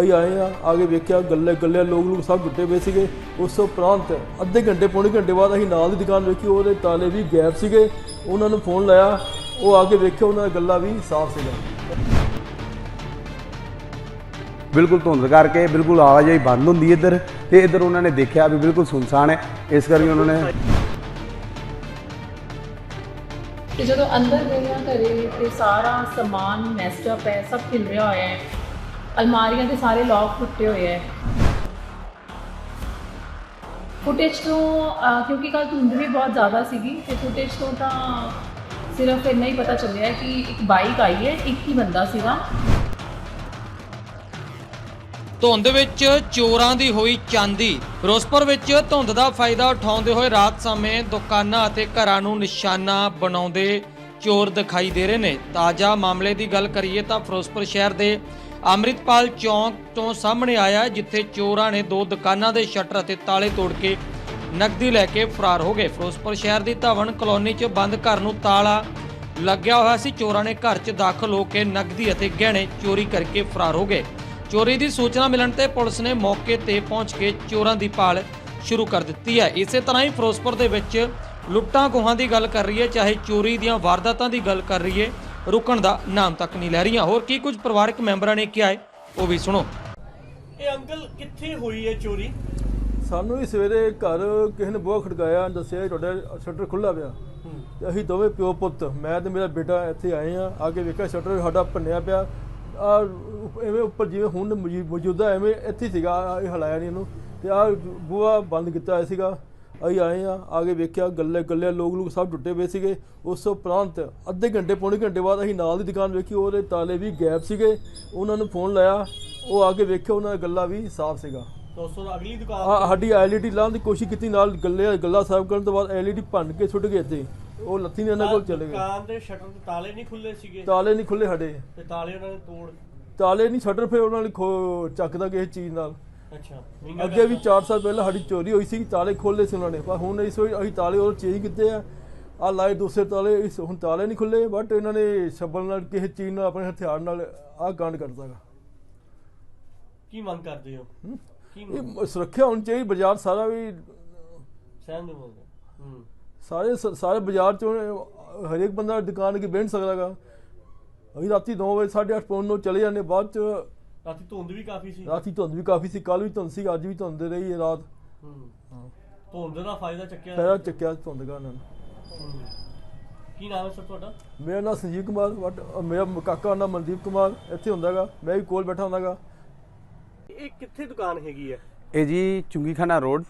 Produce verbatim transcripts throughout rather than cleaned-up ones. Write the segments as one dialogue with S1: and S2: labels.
S1: ਅਸੀਂ ਆਏ ਆ ਆਗੇ ਵੇਖਿਆ ਗੱਲੇ ਗੱਲੇ ਲੋਕ ਲੋਕ ਸਭ ਟੁੱਟੇ ਪਏ ਸੀਗੇ। ਉਸ ਤੋਂ ਉਪਰੰਤ ਅੱਧੇ ਘੰਟੇ ਪੌਣੇ ਘੰਟੇ ਬਾਅਦ ਅਸੀਂ ਨਾਲ ਦੀ ਦੁਕਾਨ ਵੇਖੀ, ਉਹਦੇ ਤਾਲੇ ਵੀ ਗੈਪ ਸੀਗੇ। ਉਹਨਾਂ ਨੂੰ ਫੋਨ ਲਾਇਆ, ਉਹ ਆ ਕੇ ਵੇਖਿਆ ਉਹਨਾਂ ਦਾ ਗੱਲਾ ਵੀ ਸਾਫ਼ ਸੀਗਾ।
S2: बिल्कुल धुंध करके बिल्कुल आवाजाही बंद होंगी इधर, तो इधर उन्होंने देखा भी बिल्कुल सुनसान है, इस करके उन्होंने
S3: जो अंदर गए घरे तो सारा समान मैस्टअप है, सब खिल रहा होया है, अलमारियां के सारे लॉक टुटे हुए हैं। फुटेज तो क्योंकि कल धुंध भी बहुत ज़्यादा सी, तो फुटेज तो, तो सिर्फ इन्ना ही पता चलिया है कि एक बाइक आई है, एक ही बंदा सीगा।
S4: ਧੁੰਦ ਵਿੱਚ ਚੋਰਾਂ ਦੀ ਹੋਈ ਚਾਂਦੀ। ਫਿਰੋਜ਼ਪੁਰ ਵਿੱਚ ਧੁੰਦ ਦਾ ਫਾਇਦਾ ਉਠਾਉਂਦੇ ਹੋਏ ਰਾਤ ਸਮੇਂ ਦੁਕਾਨਾਂ ਅਤੇ ਘਰਾਂ ਨੂੰ ਨਿਸ਼ਾਨਾ ਬਣਾਉਂਦੇ ਚੋਰ ਦਿਖਾਈ ਦੇ ਰਹੇ ਨੇ। ਤਾਜ਼ਾ ਮਾਮਲੇ ਦੀ ਗੱਲ ਕਰੀਏ ਤਾਂ ਫਿਰੋਜ਼ਪੁਰ ਸ਼ਹਿਰ ਦੇ ਅੰਮ੍ਰਿਤਪਾਲ ਚੌਂਕ ਤੋਂ ਸਾਹਮਣੇ ਆਇਆ, ਜਿੱਥੇ ਚੋਰਾਂ ਨੇ ਦੋ ਦੁਕਾਨਾਂ ਦੇ ਸ਼ਟਰ ਅਤੇ ਤਾਲੇ ਤੋੜ ਕੇ ਨਕਦੀ ਲੈ ਕੇ ਫਰਾਰ ਹੋ ਗਏ। ਫਿਰੋਜ਼ਪੁਰ ਸ਼ਹਿਰ ਦੀ ਧਵਨ ਕਲੋਨੀ 'ਚ ਬੰਦ ਘਰ ਨੂੰ ਤਾਲਾ ਲੱਗਿਆ ਹੋਇਆ ਸੀ। ਚੋਰਾਂ ਨੇ ਘਰ 'ਚ ਦਾਖਲ ਹੋ ਕੇ ਨਕਦੀ ਅਤੇ ਗਹਿਣੇ ਚੋਰੀ ਕਰਕੇ ਫਰਾਰ ਹੋ ਗਏ। ਚੋਰੀ ਦੀ ਸੂਚਨਾ ਮਿਲਣ ਤੇ ਪੁਲਿਸ ਨੇ ਮੌਕੇ ਤੇ ਪਹੁੰਚ ਕੇ ਚੋਰਾਂ ਦੀ ਭਾਲ ਸ਼ੁਰੂ ਕਰ ਦਿੱਤੀ ਹੈ। ਇਸੇ ਤਰ੍ਹਾਂ ਹੀ ਫਿਰੋਜ਼ਪੁਰ ਦੇ ਵਿੱਚ ਲੁੱਟਾਂ ਖੋਹਾਂ ਦੀ ਗੱਲ ਕਰ ਰਹੀ ਹੈ, ਚਾਹੇ ਚੋਰੀ ਦੀਆਂ ਵਾਰਦਾਤਾਂ ਦੀ ਗੱਲ ਕਰ ਰਹੀ ਹੈ, ਰੁਕਣ ਦਾ ਨਾਮ ਤੱਕ ਨਹੀਂ ਲੈ ਰਹੀਆਂ। ਹੋਰ ਕੀ ਕੁਝ ਪਰਿਵਾਰਕ ਮੈਂਬਰਾਂ ਨੇ ਕਿਹਾ ਹੈ ਉਹ ਵੀ ਸੁਣੋ।
S5: ਇਹ ਅੰਕਲ ਕਿੱਥੇ ਹੋਈ ਹੈ ਚੋਰੀ?
S1: ਸਾਨੂੰ ਵੀ ਸਵੇਰੇ ਘਰ ਕਿਸੇ ਨੇ ਬੂਹਾ ਖੜਕਾਇਆ, ਦੱਸਿਆ ਤੁਹਾਡਾ ਸ਼ਟਰ ਖੁੱਲ੍ਹਾ ਪਿਆ। ਤੇ ਅਸੀਂ ਦੋਵੇਂ ਪਿਓ ਪੁੱਤ, ਮੈਂ ਤੇ ਮੇਰਾ ਬੇਟਾ ਇੱਥੇ ਆਏ ਆ। ਆ ਕੇ ਵੇਖਿਆ ਸ਼ਟਰ ਸਾਡਾ ਭੰਨਿਆ ਪਿਆ, ਆ ਐਵੇਂ ਉੱਪਰ ਜਿਵੇਂ ਹੁਣ ਮੌਜੂਦਾ ਐਵੇਂ ਇੱਥੇ ਸੀਗਾ, ਇਹ ਹਲਾਇਆ ਨਹੀਂ ਇਹਨੂੰ। ਤੇ ਆ ਬੂਹਾ ਬੰਦ ਕੀਤਾ ਹੋਇਆ ਸੀਗਾ। ਅਸੀਂ ਆਏ ਆ ਆ ਕੇ ਵੇਖਿਆ ਗੱਲੇ ਗੱਲੇ ਲੋਕ ਲੋਕ ਸਭ ਟੁੱਟੇ ਪਏ ਸੀਗੇ। ਉਸ ਤੋਂ ਉਪਰੰਤ ਅੱਧੇ ਘੰਟੇ ਪੌਣੇ ਘੰਟੇ ਬਾਅਦ ਅਸੀਂ ਨਾਲ ਦੀ ਦੁਕਾਨ ਵੇਖੀ, ਉਹਦੇ ਤਾਲੇ ਵੀ ਗੈਪ ਸੀਗੇ। ਉਹਨਾਂ ਨੂੰ ਫੋਨ ਲਾਇਆ, ਉਹ ਆ ਕੇ ਵੇਖਿਆ ਉਹਨਾਂ ਦਾ ਗੱਲਾ ਵੀ ਸਾਫ਼ ਸੀਗਾ।
S5: ਦੋਸਤੋ ਅਗਲੀ ਦੁਕਾਨ
S1: ਆ ਸਾਡੀ ਐਲ ਈ ਡੀ ਲਾਉਣ ਦੀ ਕੋਸ਼ਿਸ਼ ਕੀਤੀ, ਨਾਲ ਗੱਲੇ ਗੱਲਾ ਸਾਫ਼ ਕਰਨ ਤੋਂ ਬਾਅਦ ਐਲ ਈ ਡੀ ਭੰਨ ਕੇ ਸੁੱਟ ਗਏ ਇੱਥੇ। ਉਹ ਲੱਥੀ ਨੇ ਇਹਨਾਂ ਕੋਲ ਚਲੇ ਗਏ।
S5: ਦੁਕਾਨ ਦੇ ਸ਼ਟਰ ਤੇ ਤਾਲੇ ਨਹੀਂ ਖੁੱਲੇ ਸੀਗੇ?
S1: ਤਾਲੇ ਨਹੀਂ ਖੁੱਲੇ ਸਾਡੇ,
S5: ਤੇ ਤਾਲੇ ਉਹਨਾਂ ਨੇ ਤੋੜ
S1: ਤਾਲੇ ਨਹੀਂ ਸ਼ਟਰ ਫਿਰ ਉਹਨਾਂ ਨੇ ਖੋ ਚੱਕਦਾ ਕਿਸੇ ਚੀਜ਼ ਨਾਲ।
S5: ਅੱਛਾ,
S1: ਅੱਗੇ ਵੀ ਚਾਰ ਸਾਲ ਪਹਿਲਾਂ ਸਾਡੀ ਚੋਰੀ ਹੋਈ ਸੀ, ਤਾਲੇ ਖੋਲੇ ਸੀ ਉਹਨਾਂ ਨੇ, ਪਰ ਹੁਣ ਇਸ ਵਾਰੀ ਅਸੀਂ ਤਾਲੇ ਉਹ ਚੇਂਜ ਕੀਤੇ ਆ। ਆ ਲਾਏ ਦੂਸਰੇ ਤਾਲੇ, ਇਸ ਹੁਣ ਤਾਲੇ ਨਹੀਂ ਖੁੱਲੇ, ਬਟ ਇਹਨਾਂ ਨੇ ਸ਼ਬਲ ਨਾਲ ਕਿਸੇ ਚੀਜ਼ ਨਾਲ ਆਪਣੇ ਹਥਿਆਰ ਨਾਲ ਆਹ ਕਾਂਡ ਕਰਦਾ ਗਾ।
S5: ਕੀ ਮੰਗ ਕਰਦੇ ਹੋ? ਕੀ
S1: ਇਹ ਸੁਰੱਖਿਆ ਹੋਣੀ ਚਾਹੀਦੀ। ਬਾਜ਼ਾਰ ਸਾਰਾ ਵੀ
S5: ਸਹਿਮ ਦੇ ਬੋਲਦੇ ਹੂੰ
S1: ਸਾਰੇ ਸਾਰੇ ਬਾਜ਼ਾਰ 'ਚ ਹਰੇਕ ਬੰਦਾ ਦੁਕਾਨ ਅੱਗੇ ਬੈਠ ਸਕਦਾ ਗਾ। ਅਸੀਂ ਰਾਤੀ ਨੌ ਵਜੇ ਸਾਢੇ ਅੱਠ ਪੌਣ ਨੂੰ ਚਲੇ ਜਾਂਦੇ। ਬਾਅਦ 'ਚ
S5: ਰਾਤੀ ਧੁੰਦ ਵੀ ਕਾਫੀ ਸੀ।
S1: ਰਾਤੀ ਧੁੰਦ ਵੀ ਕਾਫੀ ਸੀ, ਕੱਲ੍ਹ ਵੀ ਧੁੰਦ ਸੀ, ਅੱਜ ਵੀ ਧੁੰਦ ਰਹੀ ਹੈ ਰਾਤ।
S5: ਹੂੰ ਧੁੰਦ ਦਾ ਫਾਇਦਾ ਚੱਕਿਆ
S1: ਫਾਇਦਾ ਚੱਕਿਆ ਧੁੰਦ ਦਾ ਇਹਨਾਂ ਨੇ।
S5: ਕੀ ਨਾਮ ਹੈ ਸਰ ਤੁਹਾਡਾ?
S1: ਮੇਰਾ ਨਾਮ ਸੰਜੀਵ ਕੁਮਾਰ, ਬਟ ਮੇਰਾ ਕਾਕਾ ਨਾਮ ਮਨਦੀਪ ਕੁਮਾਰ ਇੱਥੇ ਹੁੰਦਾ ਗਾ, ਮੈਂ ਵੀ ਕੋਲ ਬੈਠਾ ਹੁੰਦਾ ਗਾ।
S5: ਇਹ ਕਿੱਥੇ ਦੁਕਾਨ ਹੈਗੀ ਹੈ?
S2: ਇਹ ਜੀ ਚੁੰਗੀਖਾਨਾ ਰੋਡ,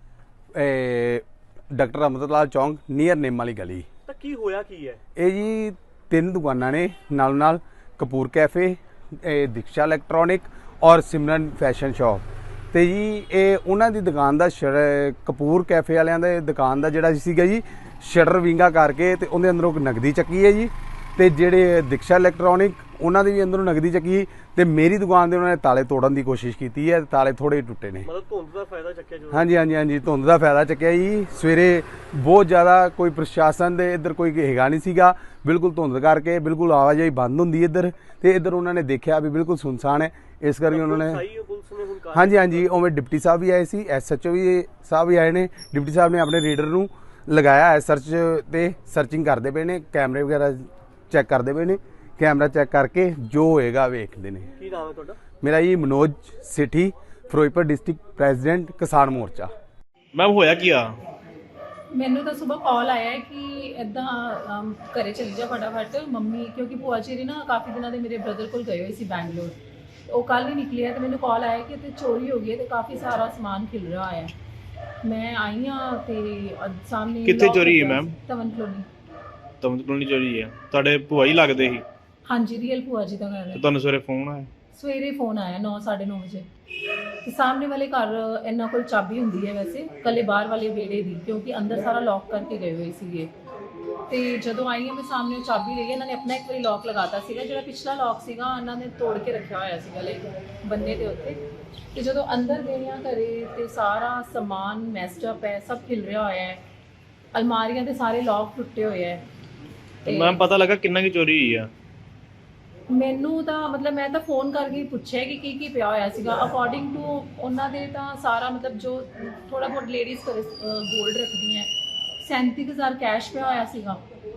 S2: ਡਾਕਟਰ ਅਮਰਤਲਾਲ ਚੌਂਕ ਨੀਅਰ ਨੇਮ ਵਾਲੀ ਗਲੀ।
S5: ਤਾਂ ਕੀ ਹੋਇਆ ਕੀ ਹੈ?
S2: ਇਹ ਜੀ ਤਿੰਨ ਦੁਕਾਨਾਂ ਨੇ ਨਾਲ ਨਾਲ, ਕਪੂਰ ਕੈਫੇ, ਦਿਕਸ਼ਾ ਇਲੈਕਟ੍ਰੋਨਿਕ ਔਰ ਸਿਮਰਨ ਫੈਸ਼ਨ ਸ਼ਾਪ। ਤੇ ਜੀ ਇਹ ਉਹਨਾਂ ਦੀ ਦੁਕਾਨ ਦਾ ਸ਼ਟਰ, ਕਪੂਰ ਕੈਫੇ ਵਾਲਿਆਂ ਦੇ ਦੁਕਾਨ ਦਾ ਜਿਹੜਾ ਸੀਗਾ ਜੀ ਸ਼ਟਰ ਵਿੰਗਾ ਕਰਕੇ ਤੇ ਉਹਦੇ ਅੰਦਰੋਂ ਨਗਦੀ ਚੱਕੀ ਹੈ ਜੀ। ਤੇ ਜਿਹੜੇ ਦਿਕਸ਼ਾ ਇਲੈਕਟ੍ਰੋਨਿਕ ਉਹਨਾਂ ਦੀ ਵੀ ਅੰਦਰੋਂ ਨਗਦੀ ਚੱਕੀ। ਤੇ ਮੇਰੀ ਦੁਕਾਨ ਦੇ ਉਹਨਾਂ ਨੇ ਤਾਲੇ ਤੋੜਨ ਦੀ ਕੋਸ਼ਿਸ਼ ਕੀਤੀ ਹੈ, ਤਾਲੇ ਥੋੜੇ ਟੁੱਟੇ ਨੇ।
S5: ਮਤਲਬ ਧੁੰਦ ਦਾ ਫਾਇਦਾ ਚੱਕਿਆ ਜੋ? ਹਾਂਜੀ
S2: ਹਾਂਜੀ ਹਾਂਜੀ ਧੁੰਦ ਦਾ ਫਾਇਦਾ ਚੱਕਿਆ ਜੀ। ਸਵੇਰੇ ਬਹੁਤ ਜ਼ਿਆਦਾ ਕੋਈ ਪ੍ਰਸ਼ਾਸਨ ਦੇ ਇੱਧਰ ਕੋਈ ਹੈਗਾ ਨਹੀਂ ਸੀਗਾ, ਬਿਲਕੁਲ ਧੁੰਦ ਕਰਕੇ ਬਿਲਕੁਲ ਆਵਾਜਾही ਬੰਦ ਹੁੰਦੀ ਇੱਧਰ, ਤੇ ਇੱਧਰ ਉਹਨਾਂ ਨੇ ਦੇਖਿਆ ਵੀ ਬਿਲਕੁਲ ਸੁਨਸਾਨ ਹੈ, ਇਸ ਕਰਕੇ ਉਹਨਾਂ ਨੇ ਹਾਂਜੀ ਹਾਂਜੀ ਉਵੇਂ ਡਿਪਟੀ ਸਾਹਿਬ ਵੀ ਆਏ ਸੀ, ਐਸ ਐਚ ਓ ਵੀ ਸਾਹਿਬ ਵੀ ਆਏ ਨੇ। ਡਿਪਟੀ ਸਾਹਿਬ ਨੇ ਆਪਣੇ ਰੀਡਰ ਨੂੰ ਲਗਾਇਆ ਹੈ ਸਰਚ ਤੇ ਸਰਚਿੰਗ ਕਰਦੇ ਪਏ ਨੇ, ਕੈਮਰੇ ਵਗੈਰਾ ਚੈੱਕ ਕਰਦੇ ਪਏ ਨੇ, ਕੈਮਰਾ ਚੈੱਕ ਕਰਕੇ ਜੋ ਹੋਏਗਾ ਵੇਖਦੇ ਨੇ।
S5: ਕੀ ਨਾਮ ਹੈ ਤੁਹਾਡਾ?
S2: ਮੇਰਾ ਜੀ Manoj Sethi, Ferozepur district president Kisan Morcha.
S5: Ma'am ਹੋਇਆ ਕੀ ਆ?
S3: ਮੈਨੂੰ ਤਾਂ ਸਵੇਰ ਕਾਲ ਆਇਆ ਹੈ ਕਿ ਇੱਦਾਂ ਘਰੇ ਚਲੀ ਜਾ ਫਟਾਫਟ ਮੰਮੀ, ਕਿਉਂਕਿ ਭੂਆ ਜੀ ਨਾ ਕਾਫੀ ਦਿਨਾਂ ਦੇ ਮੇਰੇ ਬ੍ਰਦਰ ਕੋਲ ਗਏ ਹੋਏ ਸੀ ਬੈਂਗਲੋਰ। ਉਹ ਕੱਲ ਹੀ ਨਿਕਲੇ ਆ ਤੇ ਮੈਨੂੰ ਕਾਲ ਆਇਆ ਕਿ ਇੱਥੇ ਚੋਰੀ ਹੋ ਗਈ ਹੈ ਤੇ ਕਾਫੀ ਸਾਰਾ ਸਮਾਨ ਖਿਲ ਰਿਹਾ ਹੈ। ਮੈਂ ਆਈ ਹਾਂ ਤੇ ਸਾਹਮਣੇ
S6: ਕਿੱਥੇ ਚੋਰੀ ਹੈ ma'am?
S3: Dhawan colony.
S6: Dhawan colony ਚੋਰੀ ਹੈ? ਤੁਹਾਡੇ ਭੂਆ ਹੀ ਲੱਗਦੇ ਸੀ?
S3: ਹਾਂਜੀ, ਰੀਅਲ ਭੂਆ ਜੀ ਦਾ ਘਰ ਹੈ।
S6: ਤੇ ਤੁਹਾਨੂੰ ਸਵੇਰੇ ਫੋਨ ਆਇਆ?
S3: ਸਵੇਰੇ ਫੋਨ ਆਇਆ ਨੌ ਸਾਢੇ ਨੌ ਵਜੇ। ਤੇ ਸਾਹਮਣੇ ਵਾਲੇ ਘਰ ਇਹਨਾਂ ਕੋਲ ਚਾਬੀ ਹੁੰਦੀ ਹੈ ਵੈਸੇ, ਕੱਲੇ ਬਾਹਰ ਵਾਲੇ ਵਿਹੜੇ ਦੀ, ਕਿਉਂਕਿ ਅੰਦਰ ਸਾਰਾ ਲੌਕ ਕਰਕੇ ਗਏ ਹੋਏ ਸੀਗੇ। ਤੇ ਜਦੋਂ ਆਈ ਹਾਂ ਮੈਂ ਸਾਹਮਣੇ ਉਹ ਚਾਬੀ ਲਈ, ਇਹਨਾਂ ਨੇ ਆਪਣਾ ਇੱਕ ਵਾਰੀ ਲੌਕ ਲਗਾਤਾ ਸੀਗਾ, ਜਿਹੜਾ ਪਿਛਲਾ ਲੌਕ ਸੀਗਾ ਇਹਨਾਂ ਨੇ ਤੋੜ ਕੇ ਰੱਖਿਆ ਹੋਇਆ ਸੀਗਾ ਲਾਈਕ ਬੰਨੇ ਦੇ ਉੱਤੇ। ਤੇ ਜਦੋਂ ਅੰਦਰ ਗਏ ਹਾਂ ਘਰੇ ਤੇ ਸਾਰਾ ਸਮਾਨ ਮੈਸਟਅਪ ਹੈ, ਸਭ ਖਿਲ ਰਿਹਾ ਹੋਇਆ ਹੈ, अलमारियां के सारे लॉक टुटे हुए हैं।
S6: मैम पता लगा किन्ना की चोरी हुई है?
S3: ਮੈਨੂੰ ਤਾਂ ਮਤਲਬ ਮੈਂ ਤਾਂ ਫੋਨ ਕਰਕੇ ਹੀ ਪੁੱਛਿਆ ਕਿ ਕੀ ਕੀ ਪਿਆ ਹੋਇਆ ਸੀਗਾ। ਅਕੋਰਡਿੰਗ ਟੂ ਉਹਨਾਂ ਦੇ ਤਾਂ ਸਾਰਾ ਮਤਲਬ ਜੋ ਥੋੜਾ ਬਹੁਤ ਲੇਡੀਜ਼ ਕਰ ਗੋਲਡ ਰੱਖਦੀਆਂ ਸੈਂਤੀ ਕੁ ਹਜ਼ਾਰ ਕੈਸ਼ ਪਿਆ ਹੋਇਆ ਸੀਗਾ,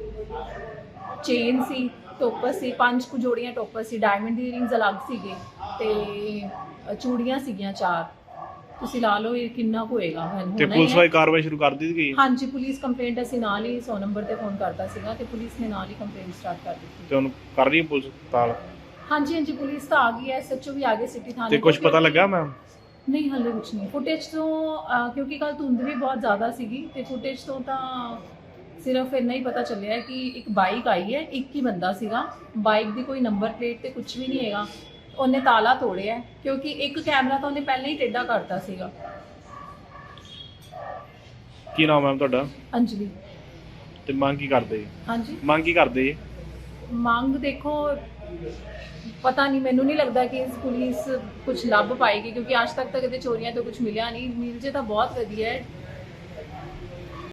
S3: ਚੇਨ ਸੀ, ਟੋਪਸ ਸੀ, ਪੰਜ ਕੁ ਜੋੜੀਆਂ ਟੋਪਸ ਸੀ, ਡਾਇਮੰਡ ਦੀ ਰਿੰਗਸ ਅਲੱਗ ਸੀਗੇ ਤੇ ਚੂੜੀਆਂ ਸੀਗੀਆਂ ਚਾਰ। ਤੁਸੀਂ ਲਾ ਲਓ ਇਹ ਕਿੰਨਾ ਕੁ ਹੋਏਗਾ। ਮੈਨੂੰ
S6: ਤੇ
S3: ਹੋਣਾ ਹੀ
S6: ਪੁਲਿਸ
S3: ਹੈ।
S6: ਵਾਲੀ ਕਾਰਵਾਈ ਸ਼ੁਰੂ ਕਰ ਦਿੱਤੀ ਗਈ?
S3: ਹਾਂਜੀ, ਪੁਲਿਸ ਕੰਪਲੇਂਟ ਅਸੀਂ ਨਾਲ ਹੀ ਸੌ ਨੰਬਰ ਤੇ ਫੋਨ ਕਰਤਾ ਸੀਗਾ ਤੇ ਪੁਲਿਸ ਨੇ ਨਾਲ ਹੀ ਕੰਪਲੇਂਟ ਸਟਾਰਟ ਕਰ ਦਿੱਤੀ।
S6: ਤੇ ਹੁਣ ਕਰ ਰਹੀ ਹੈ ਪੁਲਿਸ ਤਾਲ?
S3: ਹਾਂਜੀ ਹਾਂਜੀ, ਪੁਲਿਸ ਤਾਂ ਆ ਗਈ ਹੈ, ਐਸਐਚਓ ਵੀ ਆ ਗਏ ਸਿਟੀ ਥਾਣੇ
S6: ਤੇ
S3: ਤੋਂ।
S6: ਕੁਝ ਪਤਾ ਲੱਗਾ ਮੈਮ?
S3: ਨਹੀਂ, ਹਾਲੇ ਕੁਝ ਨਹੀਂ। ਫੁਟੇਜ ਤੋਂ ਅਹ, ਕਿਉਂਕਿ ਕੱਲ ਧੁੰਦ ਵੀ ਬਹੁਤ ਜ਼ਿਆਦਾ ਸੀਗੀ ਤੇ ਫੁਟੇਜ ਤੋਂ ਤਾਂ ਸਿਰਫ ਇੰਨਾ ਹੀ ਪਤਾ ਚੱਲਿਆ ਕਿ ਇੱਕ ਬਾਈਕ ਆਈ ਹੈ, ਇੱਕ ਹੀ ਬੰਦਾ ਸੀਗਾ, ਬਾਈਕ ਦੀ ਕੋਈ ਨੰਬਰ ਪਲੇਟ ਤੇ ਕੁਝ ਵੀ ਨਹੀਂ ਹੈਗਾ। ਉਹਨੇ ਤਾਲਾ ਤੋੜਿਆ ਕਿਉਂਕਿ ਇੱਕ ਕੈਮਰਾ ਤਾਂ ਉਹਨੇ ਪਹਿਲਾਂ ਹੀ ਟੇਢਾ ਕਰਤਾ ਸੀਗਾ।
S6: ਕੀ ਨਾਮ ਮੈਮ ਤੁਹਾਡਾ?
S3: ਅੰਜਲੀ।
S6: ਤੇ ਮੰਗ ਕੀ ਕਰਦੇ ਜੀ?
S3: ਹਾਂਜੀ,
S6: ਮੰਗ ਕੀ ਕਰਦੇ ਜੀ?
S3: ਮੰਗ ਦੇਖੋ ਪਤਾ ਨਹੀਂ, ਮੈਨੂੰ ਨਹੀਂ ਲੱਗਦਾ ਕਿ ਇਸ ਪੁਲਿਸ ਕੁਝ ਲੱਭ ਪਾਏਗੀ ਕਿਉਂਕਿ ਅੱਜ ਤੱਕ ਤਾਂ ਕਦੇ ਚੋਰੀਆਂ ਤੋਂ ਕੁਝ ਮਿਲਿਆ ਨਹੀਂ। ਮਿਲ ਜੇ ਤਾਂ ਬਹੁਤ ਵਧੀਆ ਹੈ।